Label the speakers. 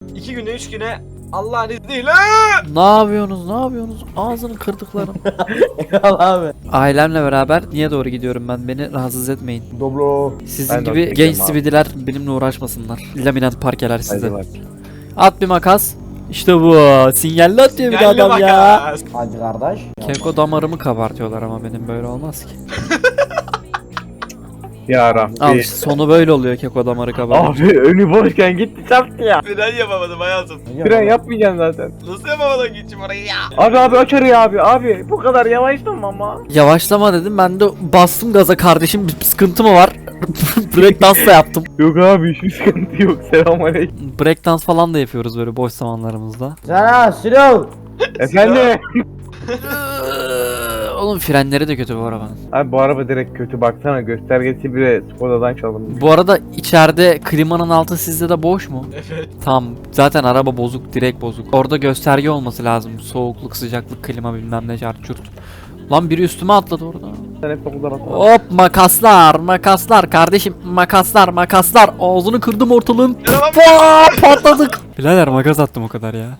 Speaker 1: 2 güne 3 güne Allah'ın izniyle.
Speaker 2: Ne yapıyorsunuz? Ne yapıyorsunuz? Ağzını kırdıklarım.
Speaker 3: Eyvallah abi.
Speaker 2: Ailemle beraber niye doğru gidiyorum ben? Beni rahatsız etmeyin.
Speaker 3: Doblo.
Speaker 2: Sizin
Speaker 4: Ben de
Speaker 2: gibi
Speaker 4: oraya
Speaker 2: genç
Speaker 4: gidiyorum abi.
Speaker 2: sividiler benimle uğraşmasınlar. Laminat parkeler size.
Speaker 4: Hadi bak.
Speaker 2: At bir makas. İşte bu. Sinyalli atıyor bir de
Speaker 1: Geldi
Speaker 2: adam ya.
Speaker 1: makas.
Speaker 3: Hacı kardeş.
Speaker 2: Keko damarımı kabartıyorlar ama benim böyle olmaz ki.
Speaker 4: Ya Rabbi.
Speaker 2: Al işte sonu böyle oluyor keko damarı kabartıyor.
Speaker 4: Abi önü boşken gitti çarptı ya.
Speaker 1: Fren yapamadım hayatım.
Speaker 4: Fren yapmayacaksın zaten.
Speaker 1: Nasıl yapamadın gideceğim orayı ya?
Speaker 4: Abi aç arayı abi. Abi bu kadar yavaşlama ama.
Speaker 2: Yavaşlama dedim ben de bastım gaza kardeşim bir sıkıntı mı var? Breakdance da yaptım.
Speaker 4: Yok abi hiçbir sıkıntı yok. Selamünaleyküm.
Speaker 2: Breakdance falan da yapıyoruz böyle boş zamanlarımızda.
Speaker 3: Sana Silo.
Speaker 4: Efendim.
Speaker 2: Oğlum frenleri de kötü bu arabanın.
Speaker 4: Abi bu araba direkt kötü baksana göstergesi bile Skoda'dan çalınmış.
Speaker 2: Bu arada içeride klimanın altı sizde de boş mu?
Speaker 1: Evet.
Speaker 2: Tamam zaten araba bozuk direkt bozuk. Orada gösterge olması lazım. Soğukluk, sıcaklık, klima bilmem ne çarçurt. Lan biri üstüme atladı orada.
Speaker 4: Sen hep okuldan atma.
Speaker 2: Hop makaslar kardeşim makaslar ağzını kırdım ortalığın.
Speaker 1: Yaramam.
Speaker 2: Patladık. Birader makas attım o kadar ya.